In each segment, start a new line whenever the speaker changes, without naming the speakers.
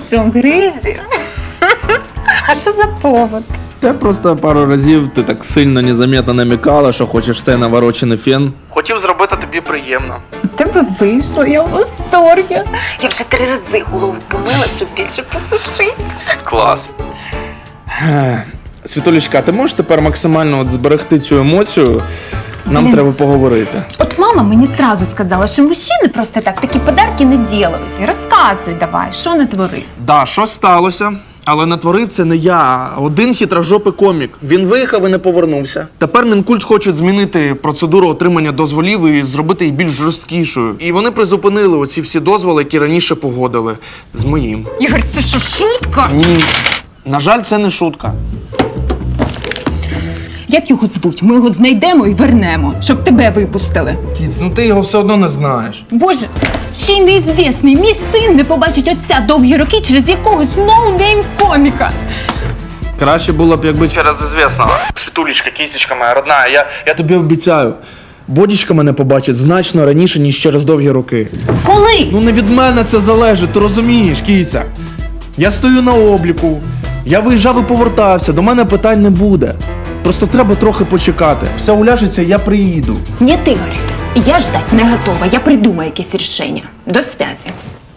що, Гризі? А що за повод?
Та просто пару разів ти так сильно незаметно намікала, що хочеш цей наворочений фен. Хотів зробити тобі приємно.
У тебе вийшло, я в восторгі. Я вже 3 рази голову помила, щоб більше посушити.
Клас. Світулечка, ти можеш тепер максимально зберегти цю емоцію? Нам треба поговорити.
От мама мені зразу сказала, що мужчини просто так такі подарки не ділають. Розказуй давай, що натворив.
Да, щось сталося. Але натворив це не я, а один хитрожопий комік. Він виїхав і не повернувся. Тепер Мінкульт хочуть змінити процедуру отримання дозволів і зробити її більш жорсткішою. І вони призупинили оці всі дозволи, які раніше погодили. З моїм.
Ігор, це що, шутка?
Ні. На жаль, це не шутка.
Як його звуть? Ми його знайдемо і вернемо, щоб тебе випустили.
Кіць, ну ти його все одно не знаєш.
Боже, ще й неізвісний. Мій син не побачить отця довгі роки через якогось ноунейм-коміка.
Краще було б, якби через ізвісного. Світулечка, кістечка моя родна, я тобі обіцяю. Бодічка мене побачить значно раніше, ніж через довгі роки.
Коли?
Ну не від мене це залежить, ти розумієш, кіця. Я стою на обліку, я виїжджав і повертався, до мене питань не буде. Просто треба трохи почекати. Все уляжеться, я приїду.
Ні, Ігор, я ждать не готова, я придумаю якесь рішення. До зв'язі.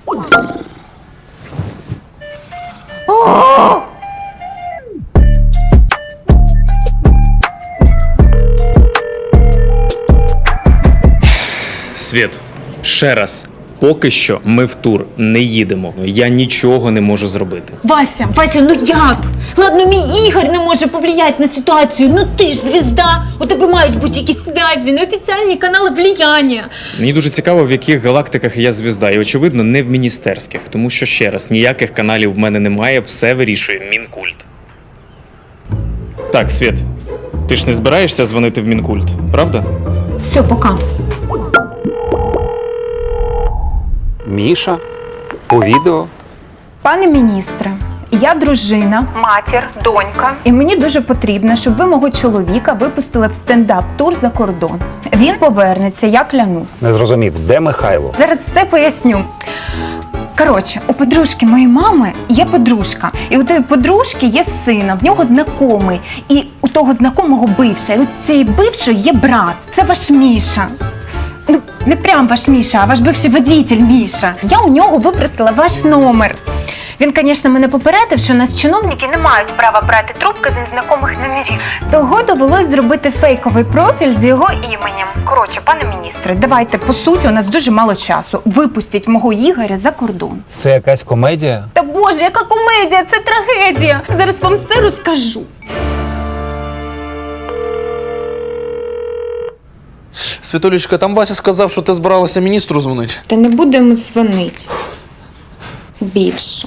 Світ, ще раз. Поки що ми в тур не їдемо. Я нічого не можу зробити.
Вася, ну як? Ладно, мій Ігор не може повлияти на ситуацію. Ну ти ж звізда. У тебе мають бути якісь зв'язі, неофіціальні канали влияння.
Мені дуже цікаво, в яких галактиках я звізда. І, очевидно, не в міністерських. Тому що, ще раз, ніяких каналів в мене немає, все вирішує Мінкульт. Так, Світ, ти ж не збираєшся дзвонити в Мінкульт, правда?
Все, пока.
Міша? По відео?
Пане міністре, я дружина, матір, донька. І мені дуже потрібно, щоб ви мого чоловіка випустили в стендап-тур за кордон. Він повернеться, я клянусь.
Не зрозумів, де Михайло?
Зараз все поясню. Коротше, у подружки моєї мами є подружка. І у тої подружки є сина, в нього знайомий. І у того знайомого бивша. І у цієї бившої є брат. Це ваш Міша. Ну, не прям ваш Міша, а ваш бивший водитель Міша. Я у нього випросила ваш номер. Він, звісно, мене попередив, що нас чиновники не мають права брати трубки з незнайомих номерів. Того довелось зробити фейковий профіль з його іменем. Коротше, пане міністре, давайте, по суті, у нас дуже мало часу. Випустіть мого Ігоря за кордон.
Це якась комедія?
Та боже, яка комедія, це трагедія. Зараз вам все розкажу.
Світулечка, там Вася сказав, що ти збиралася міністру дзвонити.
Та не будемо дзвонити. Більше.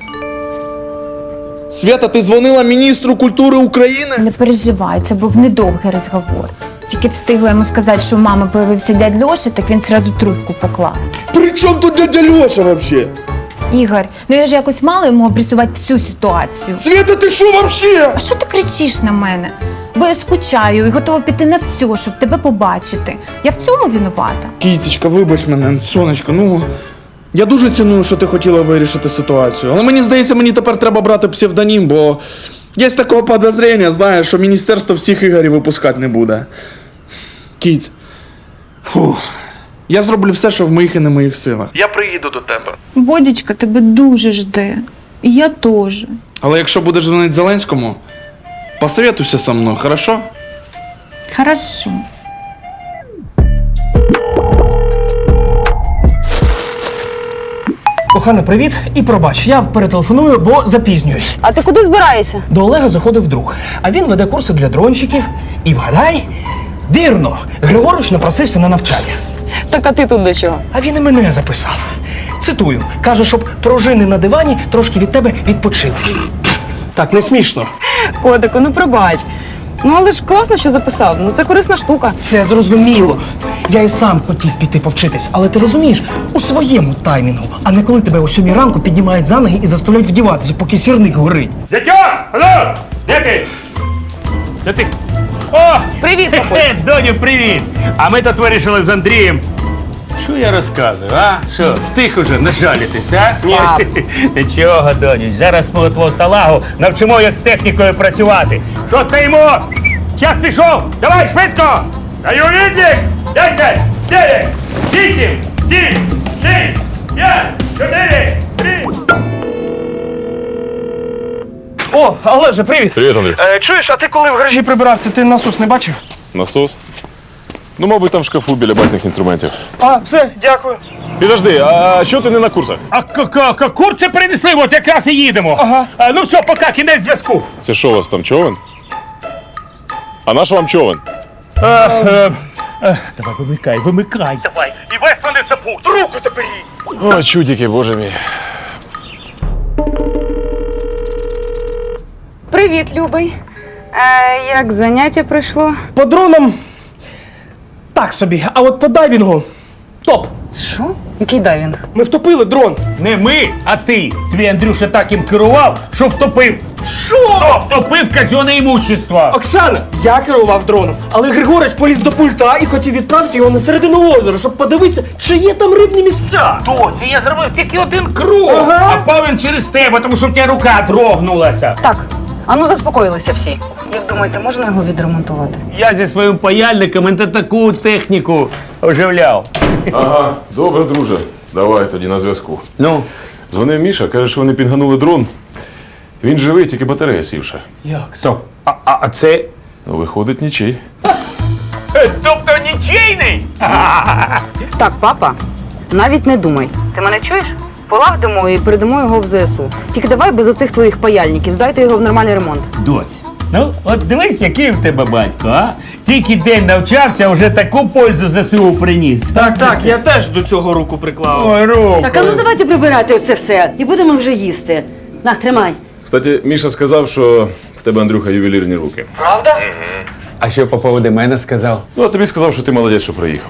Свята, ти дзвонила міністру культури України?
Не переживай, це був недовгий розговор. Тільки встигла йому сказати, що у мами появився дядь Льоша, так він сразу трубку поклав.
При чому тут дядя Льоша вообще?
Ігор, ну я ж якось мала йому обрисувати всю ситуацію.
Свята, ти що вообще?
А що ти кричиш на мене? Бо я скучаю і готова піти на все, щоб тебе побачити. Я в цьому винувата.
Кістечка, вибач мене, сонечко, ну... Я дуже ціную, що ти хотіла вирішити ситуацію. Але мені здається, мені тепер треба брати псевдонім, бо... Є таке підозріння, знаєш, що міністерство всіх Ігорів випускати не буде. Кіць. Фух. Я зроблю все, що в моїх і не моїх силах. Я приїду до тебе.
Бодічка тебе дуже жде. І я теж.
Але якщо будеш дзвонити Зеленському, посоветуйся со мною, хорошо?
Хорошо.
Кохана, привіт і пробач, я перетелефоную, бо запізнююсь.
А ти куди збираєшся?
До Олега заходив друг, а він веде курси для дрончиків. І вгадай, вірно, Григорович напросився на навчання.
Так а ти тут до чого?
А він і мене записав. Цитую, каже, щоб пружини на дивані трошки від тебе відпочили. Так, не смішно.
Котику, ну пробач. Ну але ж класно, що записав. Ну це корисна штука.
Це зрозуміло. Я і сам хотів піти повчитись, але ти розумієш, у своєму таймінгу, а не коли тебе о 7 ранку піднімають за ноги і заставляють вдіватися, поки сірник горить.
Зятьо! Алло! Де ти? Де ти? О!
Привіт, папуль.
Доню, привіт! А ми тут вирішили з Андрієм Що я розказую, а? Що, встиг уже нажалітись, так? Ні. Нічого, доню, зараз ми твого салагу навчимо, як з технікою працювати. Що стоїмо? Час пішов! Давай, швидко! Даю відлік! 10, 9, 8, 7, 6, 5, 4, 3.
О, Олеже, привіт!
Привіт, Андрій.
Чуєш, а ти коли в гаражі прибирався, ти насос не бачив?
Насос? Ну, мабуть, там в шкафу біля батьких інструментів.
А, все, дякую.
Підожди, а чого ти не на курсах?
А курці принесли, от якраз і їдемо.
Ага.
Ну все, пока, кінець зв'язку.
Це що у вас там, човен? А наш вам човен?
Давай, вимикай, давай. І весь мене запут, руку заберіть.
О, чудики, боже мій.
Привіт, Любий. Як заняття пройшло?
По дронам так собі, а от по дайвінгу топ.
Що? Який дайвінг?
Ми втопили дрон.
Не ми, а ти. Твій Андрюша так їм керував, що втопив. Що? Втопив казенне імущество.
Оксана, я керував дроном, але Григорич поліз до пульта і хотів відправити його на середину озера, щоб подивитися, чи є там рибні місця.
Доці, я зробив тільки один круг.
Ага.
А впав він через тебе, тому що в тебе рука дрогнулася.
Так, ану заспокоїлися всі. Як думаєте, можна його відремонтувати?
Я зі своїм паяльником таку техніку оживляв.
Ага, добре, друже. Давай тоді на зв'язку.
Ну?
Дзвонив Міша, каже, що вони підганули дрон. Він живий, тільки батарея сівша.
Стоп. А це...
Ну, виходить, нічий.
Тобто нічийний?
Так, папа, навіть не думай. Ти мене чуєш? Полагодимо і передамо його в ЗСУ. Тільки давай без оцих твоїх паяльників, здайте його в нормальний ремонт.
Доць, ну от дивись, який в тебе батько, а? Тільки день навчався, вже таку пользу ЗСУ приніс.
Так, я теж до цього руку приклав.
Ой, руку.
Так, а ну давайте прибирати оце все і будемо вже їсти. На, тримай.
Кстати, Міша сказав, що в тебе, Андрюха, ювелірні руки.
А що по поводу мене сказав?
Ну, а тобі сказав, що ти молодець, що приїхав.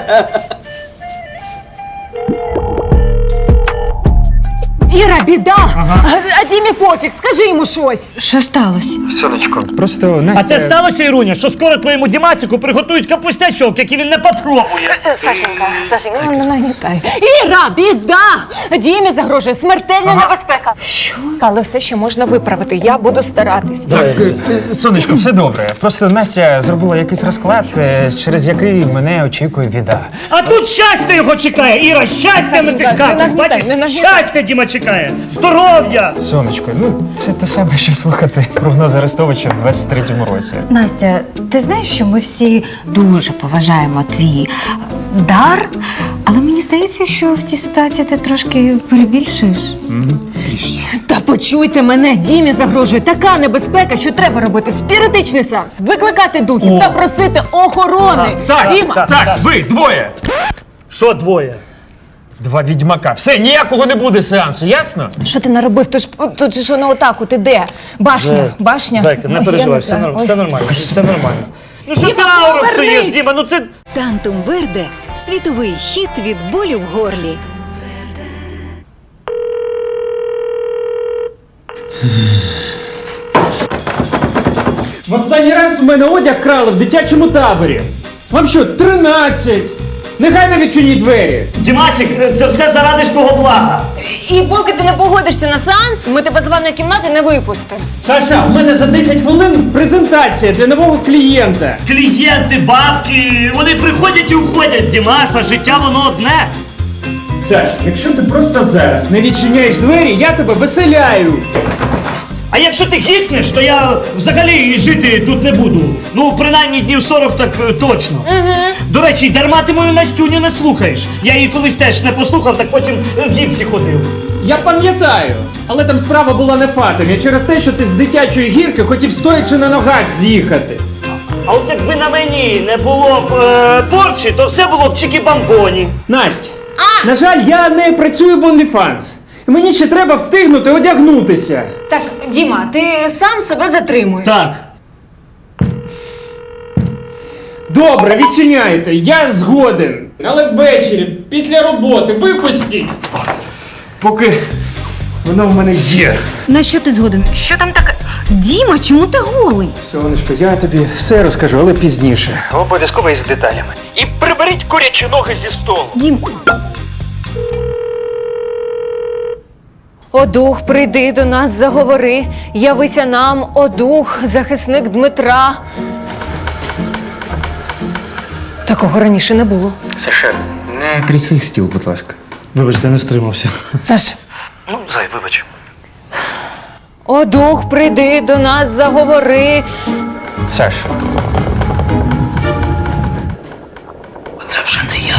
Іра, біда! А Дімі пофіг, скажи йому щось. Що сталося?
Просто
А
Настя...
це сталося, Іруня, що скоро твоєму Дімасику приготують капустячок, який він не попробує.
Сашенька, не нагнітай. Іра, біда! Дімі загрожує смертельна небезпека. Що? Але все ще можна виправити, я буду старатись.
Сонечко, все добре. Просто Настя зробила якийсь розклад, через який мене очікує біда.
А тут щастя його чекає, Іра, щастя на
Сашенька,
цих
не
картах,
нагнітай,
бачиш?
не нагнітай.
Щастя Діма чекає, здоров'я!
Сонечко, ну це те саме, що слухати прогноз Арестовича в 23-му році.
Настя, ти знаєш, що ми всі дуже поважаємо твій дар, але мені здається, що в цій ситуації ти трошки перебільшуєш.
Та почуйте мене, Дімі загрожує така небезпека, що треба робити спіритичний сеанс, викликати духів та просити охорони. Діма,
Так, ви, двоє! Що двоє?
Два відьмака. Все, ніякого не буде сеансу, ясно?
що ти наробив? Тут же що на отаку, ти де? Башня.
Зайка, не
Ой,
переживай,
я
все,
знаю. Ой.
все нормально, все нормально. Ну що ти
Діма,
ауру
повернись!
псуєш, Діма, ну це...
Тантум Верде – світовий хіт від болю в горлі.
В останній раз у мене одяг крали в дитячому таборі. Вам що, 13? Негайно відчиніть двері.
Дімасик, це все заради ж твого блага.
І поки ти не погодишся на сеанс, ми тебе з ванної кімнати не випустимо.
Саша, у мене за 10 хвилин презентація для нового клієнта.
Клієнти, бабки, вони приходять і уходять, Дімаса, життя воно одне.
Саш, якщо ти просто зараз не відчиняєш двері, я тебе виселяю.
А якщо ти гікнеш, то я взагалі жити тут не буду. Ну, принаймні днів 40 так точно. До речі, дарма ти мою Настюню не слухаєш. Я її колись теж не послухав, так потім в гіпсі ходив.
Я пам'ятаю, але там справа була не в атомі, через те, що ти з дитячої гірки хотів стоячи на ногах з'їхати.
А от якби на мені не було б порчі, то все було б чики-бамбоні.
Настя, на жаль, я не працюю в OnlyFans. Мені ще треба встигнути одягнутися.
Так, Діма, ти сам себе затримуєш.
Так.
Добре, відчиняйте, я згоден. Але ввечері, після роботи, випустіть. Поки
Воно в мене є.
На що ти згоден? Що там таке? Діма, чому ти голий?
Сонечко, я тобі все розкажу, але пізніше. Обов'язково із деталями. І приберіть курячі ноги зі столу.
Дім,
О, дух, прийди до нас, заговори, явися нам, о дух, захисник Дмитра. Такого раніше не було.
Саша, не тряси стіл, будь ласка.
Вибачте, не стримався.
Саш.
Ну, зай, вибач.
О, дух, прийди до нас, заговори.
Саша. Це вже не я.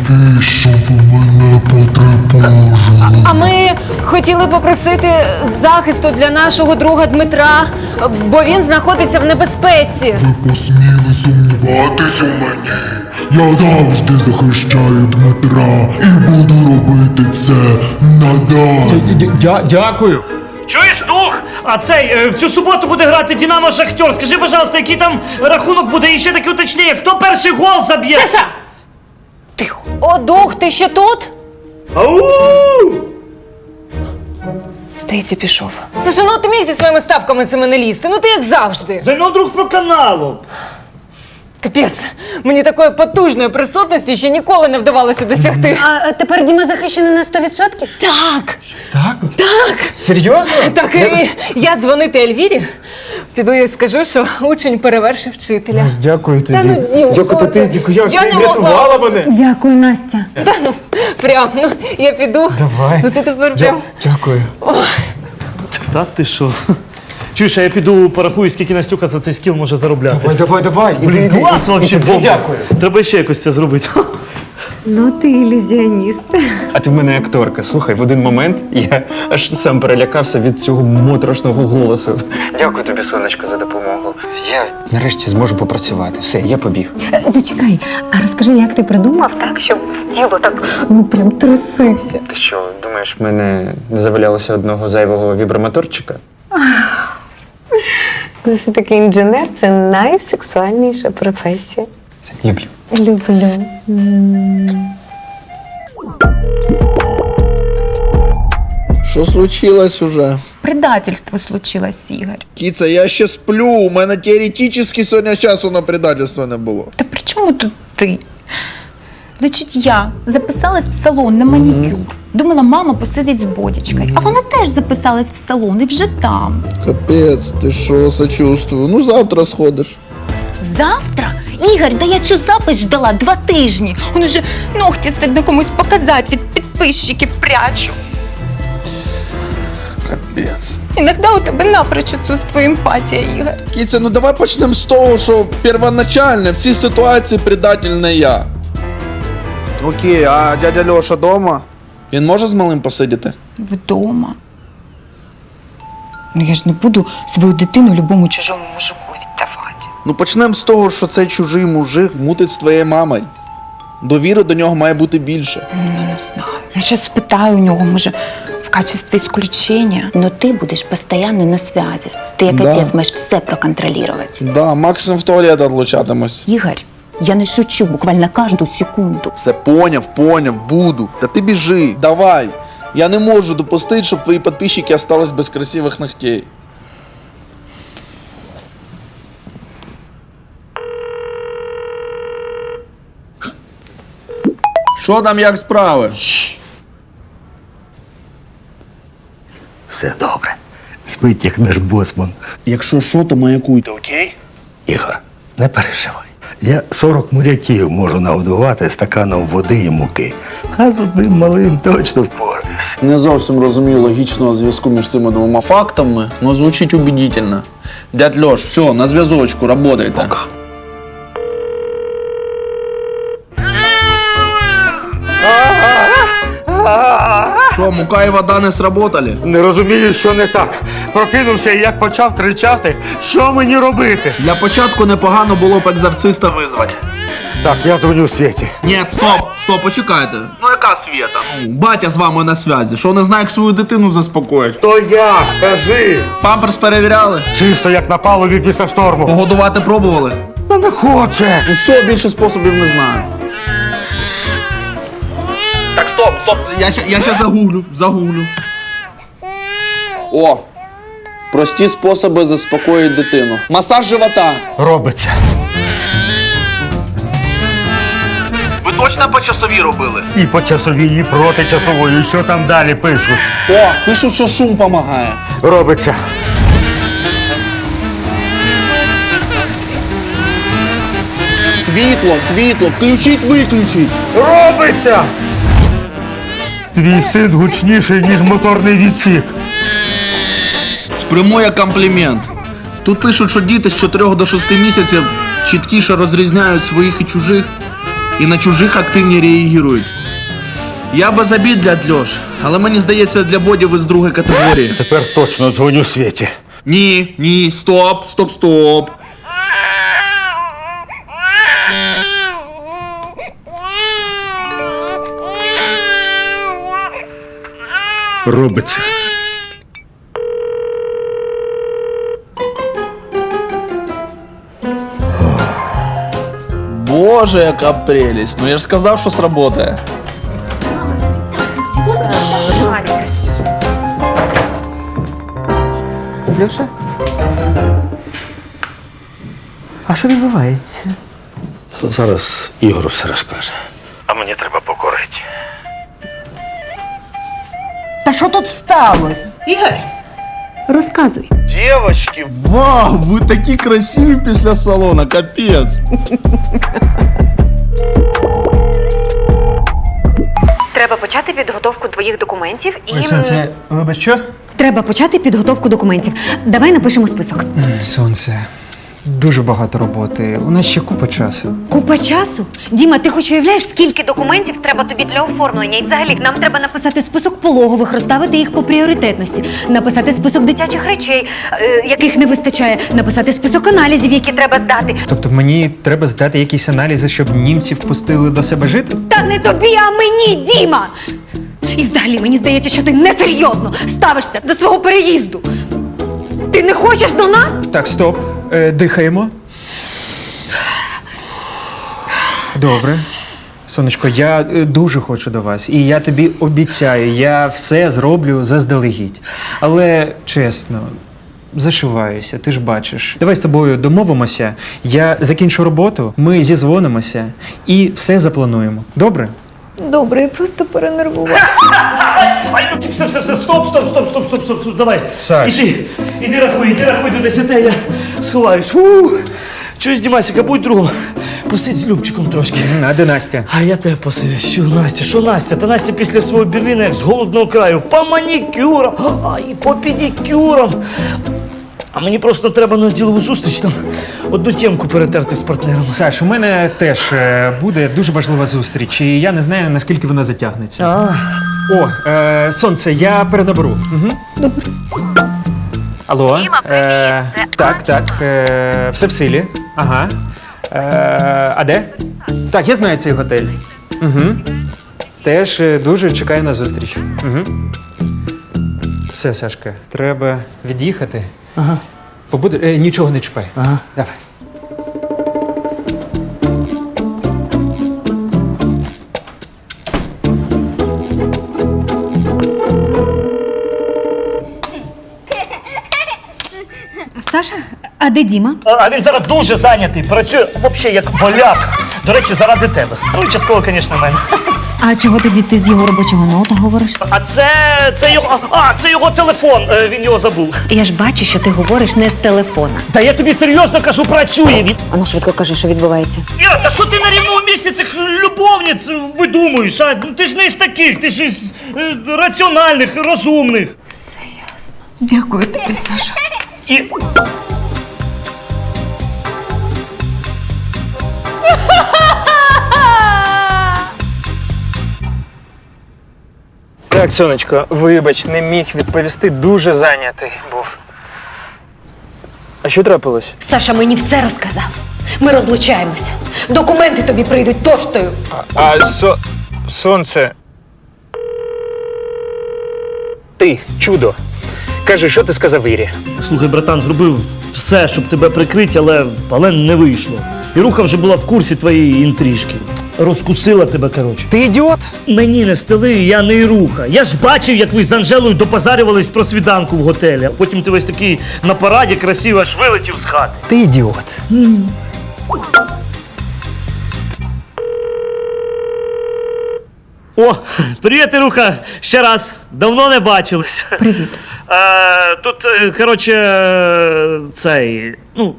А ми хотіли попросити захисту для нашого друга Дмитра, бо він знаходиться в небезпеці.
Ви посміли сумніватись у мені? Я завжди захищаю Дмитра і буду робити це надалі.
Дякую.
Чуєш, дух? А цей, в цю суботу буде грати Динамо Шахтер. Скажи, пожалуйста, який там рахунок буде? І ще таке уточнення, хто перший гол заб'є?
Саша! Тихо. О, дух, ти ще тут?
Ау!
Здається, пішов. Саша, ну ти міг зі своїми ставками цими не лізти. Ну ти як завжди.
Зайно друг по каналу.
Капець, мені такої потужної присутності ще ніколи не вдавалося досягти.
а тепер Діма захищений на 100%?
Так,
Так?
так.
Серйозно?
Так, і я дзвонити Ельвірі, піду і скажу, що учень перевершив вчителя.
Дякую тобі.
Та ну, Дім,
Дякую,
що
ти,
ти?
дякую, як
Я
ти
не могла.
врятувала мене.
Дякую, Настя.
Та ну, прям, ну, я піду.
Давай.
Ну ти тепер прям.
Дякую.
Та ти що? Чуєш, а я піду порахую, скільки Настюха за цей скіл може заробляти.
Давай.
Блін, клас вообще, бомба.
Дякую.
Треба ще якось це зробити.
Ну ти ілюзіоніст.
А ти в мене акторка. Слухай, в один момент я аж сам перелякався від цього моторошного голосу. Дякую тобі, сонечко, за допомогу. Я нарешті зможу попрацювати. Все, я побіг.
Зачекай, а розкажи, як ти придумав так, щоб тіло так, ну прям трусився.
Ти що, думаєш, в мене не завалялося одного зайвого вібромоторчика?
Ну, все-таки інженер – це найсексуальніша професія.
Все, люблю.
Люблю.
Що случилось уже?
Предательство случилось, Ігор.
Кіця, я ще сплю. У мене теоретично сьогодні часу на предательство не було.
Та при чому тут ти? Значить, я записалась в салон на манікюр. Думала, мама посидить з бодічкою. А вона теж записалась в салон і вже там.
Капець, ти що, сочувствую. Ну завтра сходиш.
Завтра? Ігор, да я цю запис ждала 2 тижні. Он уже ногті стидно комусь показати, від підписчиків прячу.
Капець.
Іноді у тебе напрочь отсутствує емпатія, Ігор.
Кіця, ну давай почнемо з того, що первоначально в цій ситуації предательний я. Окей, а дядя Льоша дома? Він може з малим посидіти?
Вдома. Ну я ж не буду свою дитину любому чужому мужику віддавати.
Ну почнемо з того, що цей чужий мужик мутить з твоєю мамою. Довіри до нього має бути більше.
Ну не знаю. Ну ще спитаю у нього, може, в качестві исключения. Но ти будеш постійно на связі. Ти як
Да.
отець маєш все проконтролювати.
Да, максимум в туалет отлучатимось.
Ігор, я не шучу буквально кожну секунду.
Все поняв, буду. Та ти біжи, давай. Я не можу допустити, щоб твої підписчики остались без красивих ногтей. Що там, як справи?
Все добре. Спить, як наш босман.
Якщо що, то маякуйте, окей?
Ігор, не переживай. Я 40 моряків можу нагодувати стаканом води і муки. А з одним малим точно впораюсь.
Не зовсім розумію логічного зв'язку між цими двома фактами, але звучить убедительно. Дядь Льош, все, на зв'язочку, работайте. Пока. Що, мука і вода не сработали?
Не розумію, що не так. Прокинувся і як почав кричати, що мені робити?
Для початку непогано було б екзорциста визвати.
Так, я дзвоню Світі.
Ні, стоп, почекайте. Ну яка Свєта? Батя з вами на зв'язі. Що, не знає, як свою дитину заспокоїть?
То як? Кажи!
Памперс перевіряли?
Чисто як на палубі після шторму.
Погодувати пробували?
Та не хоче!
Ну все, більше способів не знаю. Так, стоп. Я ще загуглю. О! Прості способи заспокоїти дитину. Масаж живота.
Робиться.
Ви точно по часовій робили?
І по часовій, і проти часової. Що там далі пишуть?
О, пишуть, що шум допомагає.
Робиться.
Світло, включіть, виключіть.
Робиться! Твій син гучніший, ніж моторний відсік.
Спрямує як комплімент. Тут пишуть, що діти з 4 до 6 місяців чіткіше розрізняють своїх і чужих, і на чужих активні реагують. Я без обід для Льош, але мені здається, для Боді ви з другої категорії.
Тепер точно дзвоню Світі.
Ні, стоп.
Робиться.
Боже, яка прелість. Ну я ж сказав, що сработає.
Льоша? А що відбувається?
Зараз Ігор все розкаже. А мені треба покорити.
Та що тут сталося?
Ігор, розказуй.
Дівочки, вау, ви такі красиві після салону, капець.
Треба почати підготовку твоїх документів і.
Вибач, що?
Треба почати підготовку документів. Давай напишемо список.
Сонце. Дуже багато роботи. У нас ще купа часу.
Купа часу? Діма, ти хоч уявляєш, скільки документів треба тобі для оформлення? І взагалі нам треба написати список пологових, розставити їх по пріоритетності, написати список дитячих речей, яких не вистачає, написати список аналізів, які треба здати.
Тобто мені треба здати якісь аналізи, щоб німців пустили до себе жити?
Та не тобі, а мені, Діма! І взагалі мені здається, що ти несерйозно ставишся до свого переїзду. Ти не хочеш до нас?
Так, стоп. Дихаємо. Добре. Сонечко, я дуже хочу до вас. І я тобі обіцяю, я все зроблю заздалегідь. Але, чесно, зашиваюся, ти ж бачиш. Давай з тобою домовимося, я закінчу роботу, ми зізвонимося і все заплануємо. Добре?
Добре, я просто перенервувала.
Все, стоп, давай.
Саш.
Іди рахуй до 10, я сховаюсь. Чуєш, Дімасіка, будь другом. Посидь з Любчиком трошки.
А де Настя?
А я тебе посидю. Що Настя? Та Настя після свого Берліна, як з голодного краю, по манікюрам, і по педикюрам. А мені просто треба на ділову зустріч там одну тємку перетерти з партнером.
Саш, у мене теж буде дуже важлива зустріч, і я не знаю, наскільки вона затягнеться. О, сонце, я перенаберу. Угу.
Добре.
Алло. Так, все в силі. Ага. А де? Так, я знаю цей готель. Угу. Теж дуже чекаю на зустріч. Угу. Все, Сашка, треба від'їхати.
Ага.
Нічого не чіпай.
Ага.
Давай.
Саша, а де Діма?
А він зараз дуже зайнятий, працює взагалі як поляк. До речі, заради тебе. Ну, і частково, звісно, мене.
А чого тоді ти з його робочого ноута говориш?
А це його телефон, він його забув.
Я ж бачу, що ти говориш не з телефона.
Та я тобі серйозно кажу, працює він.
Ану, швидко кажи, що відбувається.
Іра, та що ти на рівному місці цих любовниць видумуєш? А? Ну, ти ж не із таких, ти ж із раціональних, розумних.
Все ясно. Дякую тобі, Саша.
І...
Так, сонечко, вибач, не міг відповісти, дуже зайнятий був. А що трапилось?
Саша мені все розказав. Ми розлучаємося. Документи тобі прийдуть поштою.
Сонце. Ти, чудо. Кажи, що ти сказав Ірі?
Слухай, братан, зробив все, щоб тебе прикрити, але не вийшло. Іруха вже була в курсі твоєї інтрижки. розкусила тебе, коротше.
Ти ідіот?
Мені не стели, я не Іруха. Я ж бачив, як ви з Анжелою допозарювались про свіданку в готелі. А потім ти весь такий на параді красиво аж вилетів з хати.
Ти ідіот.
О, привіт, Іруха! Ще раз. Давно не бачились.
Привіт.
Тут, коротше, цей, ну,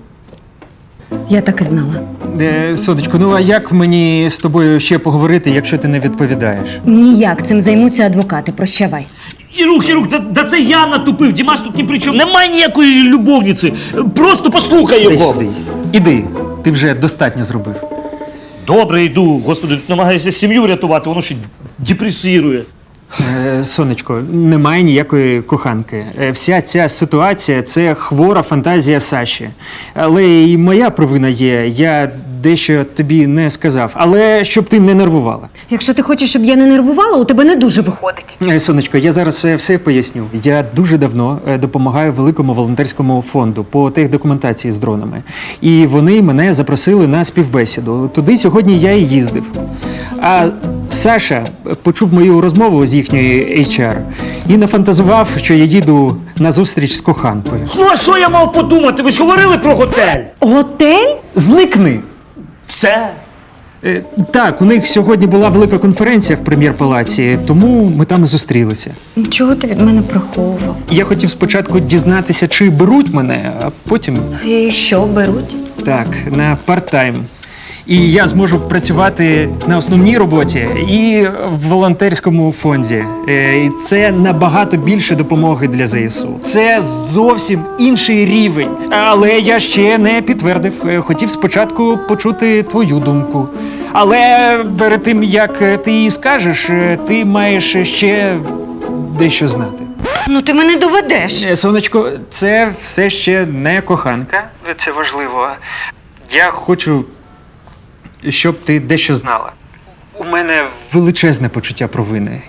Я так і знала.
Сонечко, ну а як мені з тобою ще поговорити, якщо ти не відповідаєш?
Ніяк, цим займуться адвокати. Прощавай.
Ірух, да це я натупив, Дімаш тут ні при чому. Немає ніякої любовниці. Просто послухай його.
Іди, ти вже достатньо зробив.
Добре, йду. Господи, тут намагаюся сім'ю рятувати, воно ще депресірує.
Сонечко, немає ніякої коханки. Вся ця ситуація – це хвора фантазія Саші. Але і моя провина є, я дещо тобі не сказав. Але щоб ти не нервувала.
Якщо ти хочеш, щоб я не нервувала, у тебе не дуже виходить.
Сонечко, я зараз все поясню. Я дуже давно допомагаю великому волонтерському фонду по техдокументації з дронами. І вони мене запросили на співбесіду. Туди сьогодні я і їздив. А Саша почув мою розмову з їхньої HR і нафантазував, що я їду на зустріч з коханкою.
Ну, а що я мав подумати? Ви ж говорили про готель?
Готель?
Зникни!
Це?
Так, у них сьогодні була велика конференція в прем'єр-палаці, тому ми там і зустрілися.
Чого ти від мене приховував?
Я хотів спочатку дізнатися, чи беруть мене, а потім
І що, беруть?
так, на парт-тайм. І я зможу працювати на основній роботі і в волонтерському фонді. І це набагато більше допомоги для ЗСУ. Це зовсім інший рівень. Але я ще не підтвердив. Хотів спочатку почути твою думку. Але перед тим, як ти її скажеш, ти маєш ще дещо знати.
Ну ти мене доведеш.
Сонечко, це все ще не коханка. Це важливо. Я хочу, щоб ти дещо знала. У мене величезне почуття провини.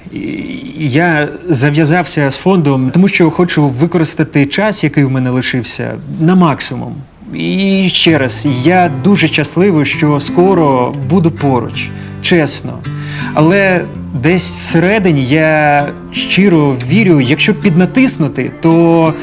Я зав'язався з фондом, тому що хочу використати час, який в мене лишився, на максимум. І ще раз, я дуже щасливий, що скоро буду поруч, чесно. Але десь всередині я щиро вірю, якщо піднатиснути, то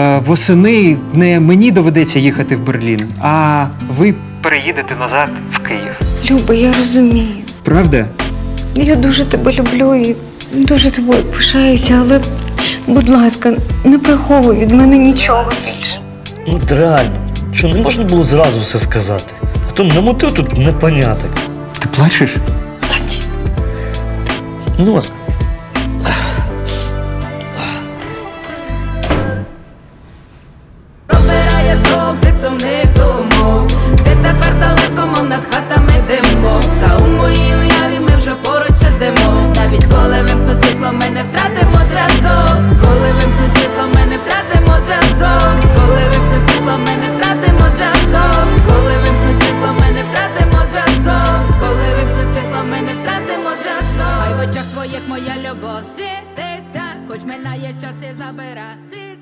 восени не мені доведеться їхати в Берлін, а ви переїдете назад в Київ.
Люба, я розумію.
Правда?
Я дуже тебе люблю і дуже тобою пишаюся, але, будь ласка, не приховуй від мене нічого більше.
Ну, от реально, що не можна було зразу все сказати? А то намотив тут непоняток.
Ти плачеш?
Ну, ось.
Пробирає знов від сумних думок. Ти тепер далеко, мов над хатами димок. Та у моїй уяві ми вже поруч сидимо. Навіть коли вимкнуть світло, ми не втратимо зв'язок. Коли вимкнуть світло, ми не втратимо зв'язок. Коли вимкнуть світло, ми не втратимо зв'язок. Коли вимкнуть світло, ми не втратимо зв'язок. Коли вимкнуть світло, ми не втратимо зв'язок. Хай в очах твоїх моя любов світиться, хоч минає час і забира цвіт.